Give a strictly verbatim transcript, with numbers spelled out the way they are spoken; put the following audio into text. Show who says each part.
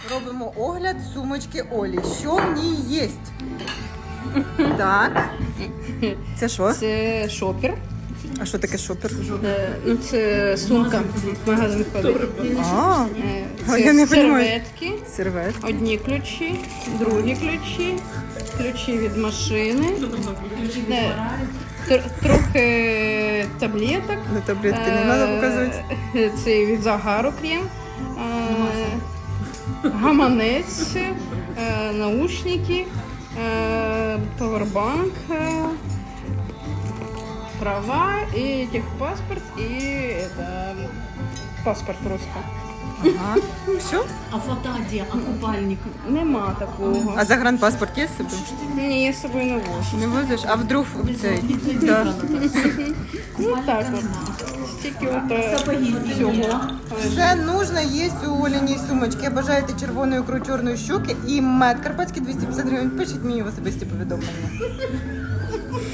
Speaker 1: Робимо огляд сумочки Олі. Що в ній є? Так. Це що?
Speaker 2: Це шопер.
Speaker 1: А що таке шопер?
Speaker 2: Е, Ну, це сумка в магазин ходить.
Speaker 1: А,
Speaker 2: Е,
Speaker 1: А
Speaker 2: Це
Speaker 1: я не понімаю.
Speaker 2: серветки.
Speaker 1: серветки.
Speaker 2: Одні ключі, другі ключі, ключі від машини, е, тр- трохи таблеток.
Speaker 1: Ну, таблетки не треба показувати.
Speaker 2: Е, Це від загару крем, е, гаманець, е, наушники, е, павербанк, е, права і техпаспорт, і это, паспорт просто.
Speaker 1: Ага. Все?
Speaker 3: А фото где? А купальник?
Speaker 2: Нема такого.
Speaker 1: А загранпаспорт є з собою?
Speaker 2: Ні, я з собою не вожу.
Speaker 1: Не возиш? А вдруг цей? Да.
Speaker 2: Ну так от. Стільки от е, всього.
Speaker 1: Все нужно є у Оліній сумочки. Бажаєте червоної ікру, чорної щуки і мед карпатський двісті п'ятдесят гривень. Пишіть мені в особисті повідомлення.